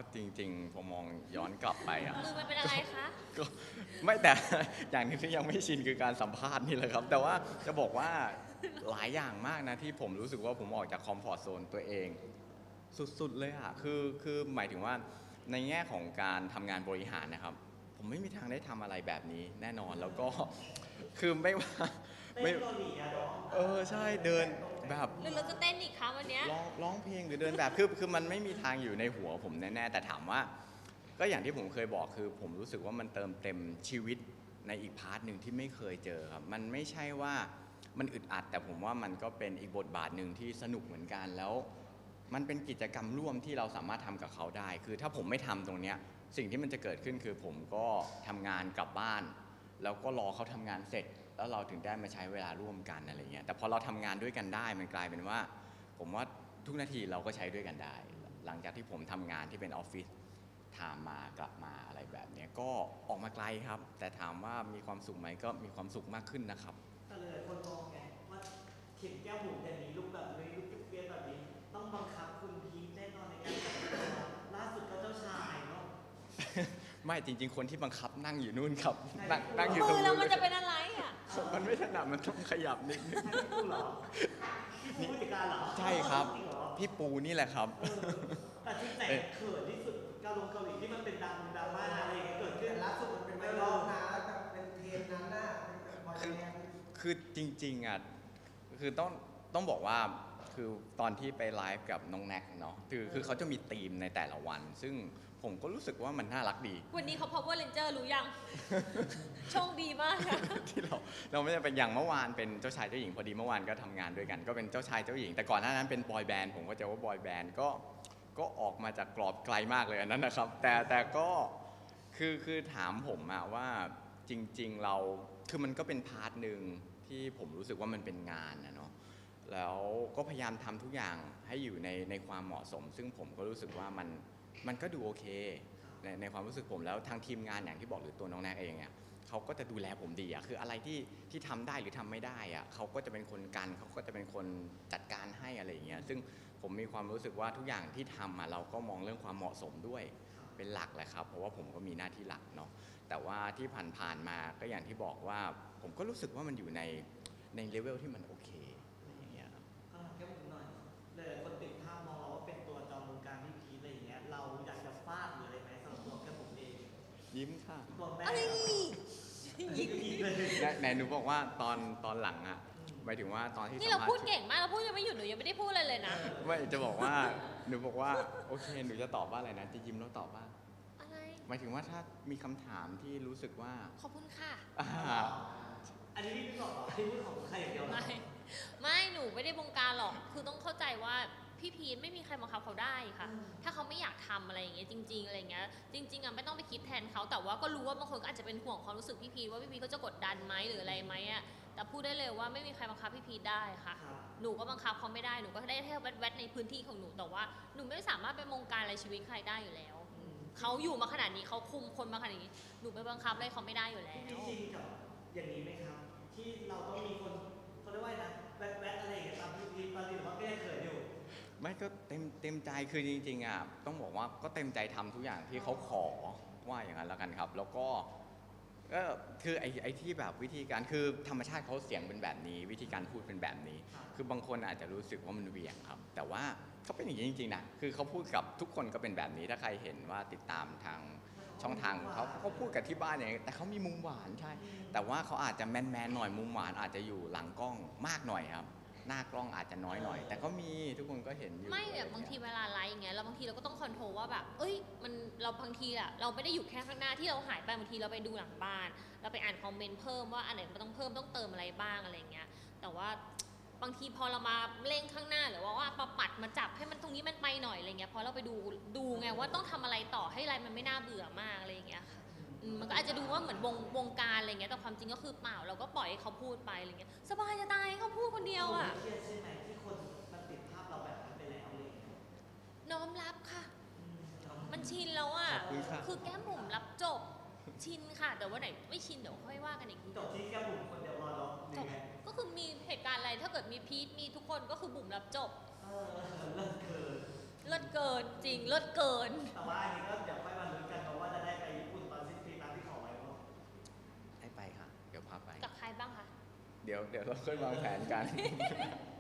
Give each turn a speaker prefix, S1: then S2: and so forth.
S1: จริงๆผมมองย้อนกลับไปอ่ะ
S2: มือมันเป็นอะไรคะ
S1: ก็ไม่แต่ อย่างหนึงที่ยังไม่ชินคือการสัมภาษณ์นี่แหละครับแต่ว่าจะบอกว่าหลายอย่างมากนะที่ผมรู้สึกว่าผมออกจากคอมฟอร์ z โซนตัวเองสุดๆเลยอ่ะคือหมายถึงว่าในแง่ของการทำงานบริหารนะครับผมไม่มีทางได้ทำอะไรแบบนี้แน่นอนแล้วก็คือไม่ว่าไม่ใช่เดินแบบ
S2: หรือเราจะเต้นอีกคะวันเนี้ย
S1: ร้องเพลงหรือเดินแบบคือมันไม่มีทางอยู่ในหัวผมแน่ๆแต่ถามว่าก็อย่างที่ผมเคยบอกคือผมรู้สึกว่ามันเติมเต็มชีวิตในอีกพาร์ทหนึ่งที่ไม่เคยเจอครับมันไม่ใช่ว่ามันอึดอัดแต่ผมว่ามันก็เป็นอีกบทบาทหนึ่งที่สนุกเหมือนกันแล้วมันเป็นกิจกรรมร่วมที่เราสามารถทำกับเขาได้คือถ้าผมไม่ทำตรงเนี้ยสิ่งที่มันจะเกิดขึ้นคือผมก็ทำงานกลับบ้านแล้วก็รอเขาทำงานเสร็จแล้วเราถึงได้มาใช้เวลาร่วมกันอะไรเงี้ยแต่พอเราทำงานด้วยกันได้มันกลายเป็นว่าผมว่าทุกนาทีเราก็ใช้ด้วยกันได้หลังจากที่ผมทำงานที่เป็นออฟฟิศไทม์มากลับมาอะไรแบบนี้ก็ออกมาไกลครับแต่ถามว่ามีความสุขไหมก็มีความสุขมากขึ้นนะครับ
S3: แต่เลยคนมองไงว่าเข็มแก้วหูอย่างนี้ลุกแบบนี้ลุกเปี้ยแบบนี้ต้องบังคับคุณพีทแน่นอนในการแต่งตัวล่าสุดก็เจ้าชายเนาะ
S1: ไม่จริงๆคนที่บังคับนั่งอยู่นู่นครับนั่งอยู่ตร
S2: มื
S1: ง
S2: อ
S1: นู้
S2: เรา
S1: น
S2: มันจะเป็นอะไรอ่ะ
S1: มันไม่ถนัดมันต้องขยับนิดนึง
S3: ใช่พี่ปูเหรอพี่ปูผู้จัดการเหรอ
S1: ใช่ครับ
S3: จริงเหรอ
S1: พี่ปูนี่แหละครับ
S3: แต่ที่แต่งเขินที่สุดเกาหลีที่มันเป็นดราม่าอะไรอย่างเงี้ยเกิดขึ้น
S4: ล่าสุดมันเป็นไวรัลนะแต่เป็นเทรนด์นั้นน่ะเป็นแบบบอยแบนด์
S1: คือจริงๆอ่ะคือต้องบอกว่าคือตอนที่ไปไลฟ์กับน้องแน็กเนาะคือเขาจะมีธีมในแต่ละวัน ซึ่งผมก็รู้สึกว่ามันน่ารักดี
S2: วันนี้เขา Power Ranger รู้ยัง โชคดีมากอะ
S1: ที่เราไม่ได้เป็นอย่างเมื่อวานเป็นเจ้าชายเจ้าหญิงพอดีเมื่อวานก็ทำงานด้วยกัน ก็เป็นเจ้าชายเจ้าหญิงแต่ก่อนหน้านั้นเป็นบอยแบนด์ผมก็จะว่าบอยแบนด์ก็ออกมาจากกรอบไกลมากเลยอันนั้นนะครับแต่ก็คือถามผมอะว่าจริงๆเราคือมันก็เป็นพาร์ทหนึ่งที่ผมรู้สึกว่ามันเป็นงานนะเนาะแล้วก็พยายามทำทุกอย่างให้อยู่ในความเหมาะสม ซึ่งผมก็รู้สึกว่ามันก็ดูโอเคในความรู้สึกผมแล้วทางทีมงานอย่างที่บอกหรือตัวน้องแนกเองเนี่ยเขาก็จะดูแลผมดีอะคืออะไรที่ทำได้หรือทำไม่ได้อะเขาก็จะเป็นคนกันเขาก็จะเป็นคนจัดการให้อะไรอย่างเงี้ยซึ่งผมมีความรู้สึกว่าทุกอย่างที่ทำอะเราก็มองเรื่องความเหมาะสมด้วยเป็นหลักแหละครับเพราะว่าผมก็มีหน้าที่หลักเนาะแต่ว่าที่ผ่านๆมาก็อย่างที่บอกว่าผมก็รู้สึกว่ามันอยู่ในเลเวลที่มันโอเคอะไรอย่างเงี้ยครับ
S3: แค่ผมหน่อยเลยคนติดภาพมองเราว่าเป็นตัวจอมวงการพี่พีทอะไรอย่างเงี้ยเราอยากจะฟาดหรืออะไรไหมสำหรับตัวแค่ผมเอง
S1: ยิ้มค่ะ
S3: ตัวแม่
S2: อะไร
S3: ยิงพีทเลย
S1: ไหนหนูบอกว่าตอนหลังอะหมายถึงว่าตอนที่
S2: นี่
S1: สั
S2: เรา
S1: มภาษ
S2: พูด
S1: ณ์
S2: เก่งมากเราพูดยังไม่หยุดหนูยังไม่ได้พูดอะไรเลยนะ
S1: ไม่จะบอกว่าหนูบอกว่าโอเคหนูจะตอบว่าอะไรนะจะยิ้มแล้วตอบว่า
S2: อะไร
S1: หมายถึงว่าถ้ามีคำถามที่รู้สึกว่า
S2: ขอบคุณค่ะ
S1: อ่า
S3: อันนี้พี่บอกเหรอที่พูดของใครอย่างเดียวเหรอ
S2: ไม่หนูไม่ได้บงการหรอก คือต้องเข้าใจว่าพี่พีทไม่มีใครบังคับเขาได้ค่ะ ถ้าเขาไม่อยากทำอะไรอย่างเงี้ยจริงๆอะไรเงี้ยจริงๆอ่ะไม่ต้องไปคิดแทนเขาแต่ว่าก็รู้ว่าบางคนก็อาจจะเป็นห่วงความรู้สึกพี่พีทว่าพี่พีทเขาจะกดดันไหมหรืออะไรไหมอ่ะแต่พูดได้เลยว่าไม่มีใครบังคับพี่พีทได้ค่ะ
S3: ครับ
S2: หนูก็บังคับเขาไม่ได้หนูก็ได้แค่แวดๆในพื้นที่ของหนูแต่ว่าหนูไม่สามารถไปบงการอะไรชีวิตใครได้อยู่แล้วเขาอยู่มาขนาดนี้เขาคุมคนมาขนาดนี้หนูไปบังคับอะไรเขาไม่ได้อยู่แล้ว
S3: จริงๆกับอย่างนี้ไหมครับ ที่เราต้องมีคนเขาเรียกว่าอะไรนะแวดๆอะไรอย่างเงี้ยตามพี่พีทตอนนี้หรือว่าก็ยังเขินอยู่
S1: ไม่ก็เต็มใจคือจริงๆอ่ะต้องบอกว่าก็เต็มใจทำทุกอย่างที่เขาขอว่าอย่างนั้นแล้วกันครับ แล้วก็คือไอ้ที่แบบวิธีการคือธรรมชาติเขาเสียงเป็นแบบนี้ วิธีการพูดเป็นแบบนี้ คือบางคนอาจจะรู้สึกว่ามันเหวี่ยงครับ แต่ว่าเขาเป็นอย่างนี้จริงๆนะคือเขาพูดกับทุกคนก็เป็นแบบนี้ถ้าใครเห็นว่าติดตามทางช่องทางเขาพูดกับที่บ้านอย่างนี้แต่เขามีมุมหวานใช่ แต่ว่าเขาอาจจะแมนๆหน่อยมุมหวานอาจจะอยู่หลังกล้องมากหน่อยครับ หน้ากล้องอาจจะน้อยหน่อย แต่ก็มีทุกคนก็เห็นอยู่
S2: ไม่แบบบางทีเวลาไลฟ์อย่างเงี้ยเราบางทีเราก็ต้องคอนโทรลว่าแบบเอ้ยมันเราบางทีอะเราไม่ได้อยู่แค่ข้างหน้าที่เราหายไปบางทีเราไปดูหลังบ้าน เราไปอ่านคอมเมนต์เพิ่มว่าอันไหนมันต้องเพิ่มต้องเติมอะไรบ้างอะไรเงี้ยแต่ว่าบางทีพอเรามาเร่งข้างหน้าหรือว่ามาปัดมาจับให้มันตรงนี้มันไปหน่อยอะไรเงี้ยพอเราไปดูไงว่าต้องทำอะไรต่อให้อะไรมันไม่น่าเบื่อมากอะไรเงี้ยค่ะมันก็อาจจะดูว่าเหมือนวงการอะไรเงี้ยแต่ความจริงก็คือเปล่าเราก็ปล่อยให้เขาพูดไปอะไรเงี้ยสบายจะตายให้เขาพูดคนเดียวอะ
S3: เครียดใช่ไหมที่คนมันติดภาพเราแบบนั้นไปแล้วอะไรอย่างเงี้ย
S2: น้อมรับค่ะ มันชินแล้วอ่ะ
S1: ขอบคุณค่ะ
S2: คือแก้มบุ๋มรับจบ ชินค่ะ แต่ว่าไหนไม่ชินเดี๋ยวค่อยว่ากันอีกที
S3: จบที่แค่บุ๋มคนเดียวรอเราหรื
S2: จ
S3: อบ ไง
S2: ก็คือมีเหตุการณ์อะไร ถ้าเกิดมีพีทมีทุกคนก็คือบุ๋มรับจบ
S3: เลิกเกิน
S2: เลิศเกินจริงเลิศเกิน
S3: แต่ว่าอันนี้ก็เดี๋ยวค่อยมาลุ้นกันเพราะว่าจะได้ไปญี่ปุ่นตอนสิ้นปีตามที่ขอไว้เนาะ
S1: ให้ไปค่ะ เดี๋ยวพาไป
S2: กับใครบ้างคะ
S1: เดี๋ยวเราค่อยวางแผนกัน